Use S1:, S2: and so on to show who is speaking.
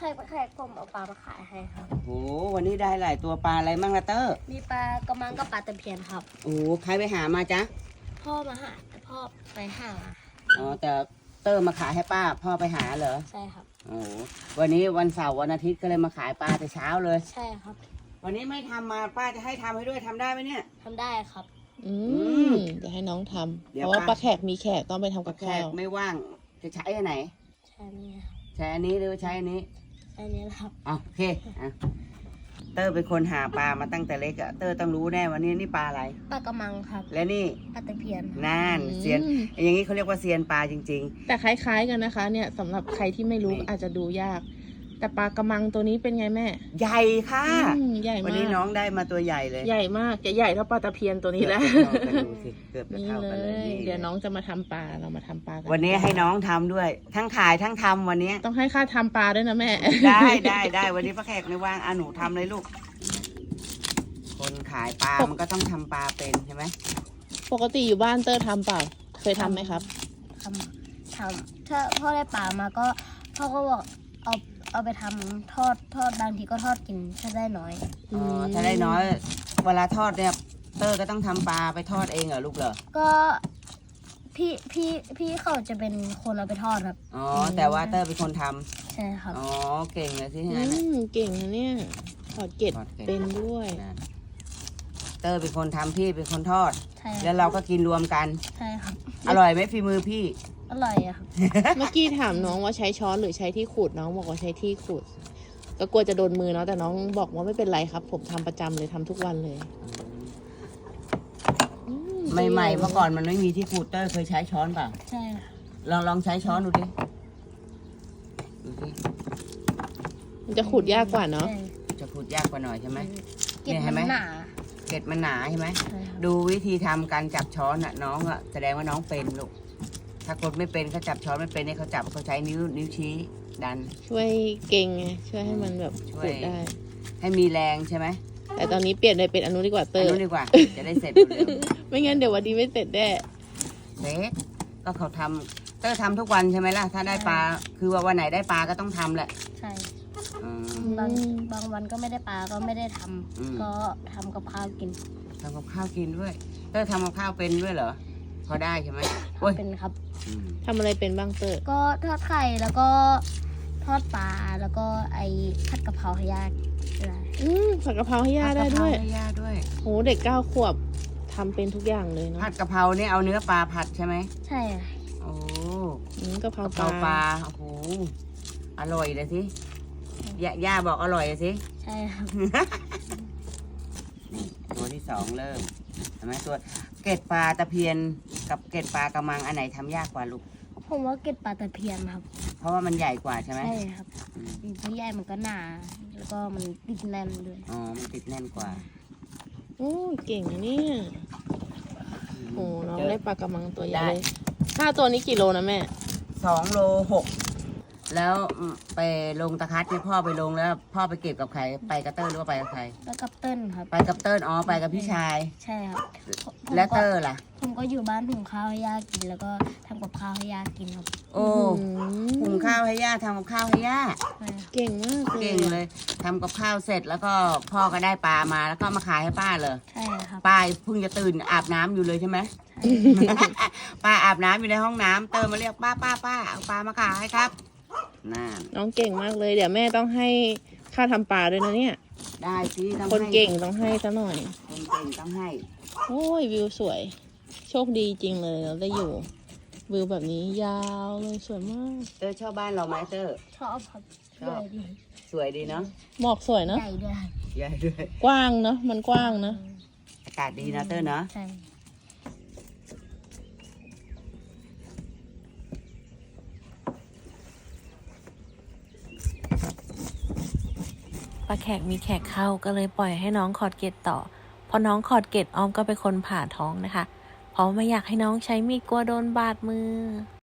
S1: แขกผมเอาปลามาขายให้ครับ
S2: โอ้วันนี้ได้หลายตัวปลาอะไรมั่งละเตอร์
S1: มีปลากระมังกับปลาตะเพียนครับ
S2: โอ้ใครไปหามาจ๊ะ
S1: พ่อมาหาพ่อไปหา
S2: อ๋อแต่เตอร์มาขายให้ป้าพ่อไปหาเหรอ
S1: ใช่ครับ
S2: โอ้วันนี้วันเสาร์วันอาทิตย์ก็เลยมาขายปลาแต่เช้าเลย
S1: ใช่ครับ
S2: วันนี้ไม่ทำมาป้าจะให้ทำให้ด้วยทำได้ไหมเนี่ย
S1: ทำได้ครับ
S3: จะให้น้องทำเพราะว่าป้าแขกมีแขกต้องไปทำกับข้าว
S2: ไม่ว่างจะใช้อันไหน
S1: ใช้นี่
S2: ใช้อันนี้หรือใช้อันนี้
S1: ใช้นี้ครับ
S2: โอเคอ่ะเตอร์เป็นคนหาปลามาตั้งแต่เล็กอะเตอร์ต้องรู้แน่วันนี้นี่ปลาอะไร
S1: ปลากระมังครับ
S2: และนี่
S1: ปลาตะเพียน
S2: นั่นเซียนอย่างนี้เขาเรียกว่าเซียนปลาจริง
S3: ๆแต่คล้ายๆกันนะคะเนี่ยสำหรับใครที่ไม่รู้อาจจะดูยากแต่ปลากระมังตัวนี้เป็นไงแม่
S2: ใหญ่ค่ะ
S3: ใหญ่มาก
S2: วันนี้น้องได้มาตัวใหญ่เลย
S3: ใหญ่มากจะใหญ่เท่าปลาตะเพียนตัวนี้แล้ว
S2: นี่
S3: เลยเดี๋ยวน้องจะมาทำปลาเรามาทำปลากัน
S2: วันนี้ให้น้องทำด้วยทั้งขายทั้งทำวันนี้
S3: ต้องให้ค่าทำปลาด้วยนะแม่
S2: ได้วันนี้ป้าแขกไม่ว่างหนูทำเลยลูกคนขายปลามันก็ต้องทำปลาเป็นใช่ไหม
S3: ปกติอยู่บ้านเตอร์ทำเปล่าเคยทำไหมครับ
S1: ทำถ้าพ่อได้ปลามาก็พ่อก็บอกเอาไปทำทอดบางทีก็ทอดกินถ้าได้น้อย
S2: ถ้าได้น้อยเวลาทอดเนี่ยเตอร์ก็ต้องทำปลาไปทอดเองเหรอลูกเหรอ
S1: ก็พี่เขาจะเป็นคนเอาไปทอดครับ
S2: อ๋อแต่ว่าเตอร์เป็นคนท
S1: ำใช่ครับ
S2: อ๋อเก่งเลยสิงั้น
S3: เก่งนะเนี่ยทอดเกล็ดเป็นด้วย
S2: เตอร์เป็นคนทำพี่เป็นคนทอดแล้วเราก็กินรวมกัน
S1: ใช่ครับ
S2: อร่อยไหมฝีมือพี่
S1: อร่อยอะครับ
S3: เมื่อกี้ถามน้องว่าใช้ช้อนหรือใช้ที่ขูดน้องบอกว่าใช้ที่ขูดก็กลัวจะโดนมือเนาะแต่น้องบอกว่าไม่เป็นไรครับผมทำประจำเลยทำทุกวันเลย
S2: ใหม่ๆเมื่อก่อนมันไม่มีที่ขูดเตอร์เคยใช้ช้อนเปล่า
S1: ใช่
S2: ลองใช้ช้อนดูดิ
S3: มันจะขูดยากกว่าเนาะ
S2: จะขูดยากกว่าหน่อยใช่ไหม
S1: เกล็ดมันหนา
S2: เกล็ดมันหนาใช่ไหมดูวิธีทำการจับช้อนอ่ะน้องอ่ะแสดงว่าน้องเป็นลูกถ้าคนไม่เป็นเขาจับช้อนไม่เป็นเนี่ยเขาจับเขาใช้นิ้วชี้ดัน
S3: ช่วยเก่งไงช่วยให้มันแบบขูดได้
S2: ให้มีแรงใช่ไหม
S3: แต่ตอนนี้เปลี่ยนเลยเป็นอนุดีกว่าเตอร์
S2: อนุดีกว่าจะได้เสร็จเร็ว
S3: ไม่งั้นเดี๋ยววันนี้ไม่เสร็จแน่
S2: เสร็จก็เขาทำเตอร์ทำทุกวันใช่ไหมล่ะถ้าได้ปลาคือว่าวันไหนได้ปลาก็ต้องทำแหละ
S1: ใช่บางวันก็ไม่ได้ปลาก็ไม่ได้ทำก็ทำกับข้าวกิน
S2: ทำกับข้าวกินด้วยเตอร์ทำกับข้าวเป็นด้วยเหรอพอได้ใช่ไหม
S1: เป็นครับ
S3: ทำอะไรเป็นบ้างเตอร์
S1: ก็ทอดไข่แล้วก็ทอดปลาแล้วก็ไอ้ผัดกะเพราให้ย่า
S3: ผัดกะเพราให้ย่าได้
S2: ด้วย
S3: โหเด็ก9 ขวบทำเป็นทุกอย่างเลยเนาะ
S2: ผัดกะเพราเนี่ยเอาเนื้อปลาผัดใช่ไหม
S1: ใช่
S2: โอ้
S3: กะเพรา
S2: ปลาโอ้โหอร่อยเลยสิย่าบอกอร่อยเลยสิ
S1: ใช่ครับ
S2: นี่ตัวที่2เริ่มเห็นไหมตัวเกล็ดปลาตะเพียนกับเกล็ดปลากระมังอันไหนทำยากกว่าลูก
S1: ผมว่าเกล็ดปลาตะเพียนครับ
S2: เพราะว่ามันใหญ่กว่าใช่ไหม
S1: ใช่ครับมันใหญ่มันก็หนาแล้วก็มันติดแน่นด้วย
S2: อ๋อมันติดแน่นกว่า
S3: โอ้เก่งนะเนี่ยโอ้น้องได้ปลากระมังตัวใหญ่5 ตัวนี้กี่โลนะแม่
S2: 2 โล 6แล้วไปลงตะคัดที่พ่อไปลงแล้วพ่อไปเก็บกับใครไปกับเตอร์หรือว่าไปกับใคร
S1: ไปกับเติ้ลครับ
S2: ไปกับเติ้ลไปกับพี่ชาย
S1: ใช่ครับ
S2: และเตอร์ล่ะ
S1: ผมก็อยู่บ้านหุงข้าวให้ย่ากินแล้วก็ทำกับข้าวให้ย่ากินครับ
S2: โอ้หุงข้าวให้ย่าทำกับข้าวให้ย่า
S3: เก่งมาก
S2: เก่งเลยทำกับข้าวเสร็จแล้วก็พ่อก็ได้ปลามาแล้วก็มาขายให้ป้าเลย
S1: ใช่ครับ
S2: ป้าเพิ่งจะตื่นอาบน้ำอยู่เลยใช่ไหมป้าอาบน้ำอยู่ในห้องน้ำเตอร์มาเรียกป้าเอาปลามาขายให้ครับ
S3: น้องเก่งมากเลยเดี๋ยวแม่ต้องให้ค่าทำปลาด้วยนะเนี่ย
S2: ได้สิ
S3: คนเก่งต้องให้ซะหน่อย
S2: คนเก่งต้องให้
S3: โอ้ยวิวสวยโชคดีจริงเลยเราได้อยู่วิวแบบนี้ยาวเลยสวยมาก
S2: เตอร์ชอบบ้านเราไหมเตอร์
S1: ชอบครับ
S2: สวยดีเนาะ
S3: หมอกสวยเนาะ
S1: ใหญ่ด้วย
S3: กว้างเนาะมันกว้างนะ
S2: อากาศดีนะเตอร์เนาะ
S1: ใช่
S4: ป้าแขกมีแขกเข้าก็เลยปล่อยให้น้องขอดเกล็ดต่อพอน้องขอดเกล็ดออมก็เป็นคนผ่าท้องนะคะเพราะไม่อยากให้น้องใช้มีดกลัวโดนบาดมือ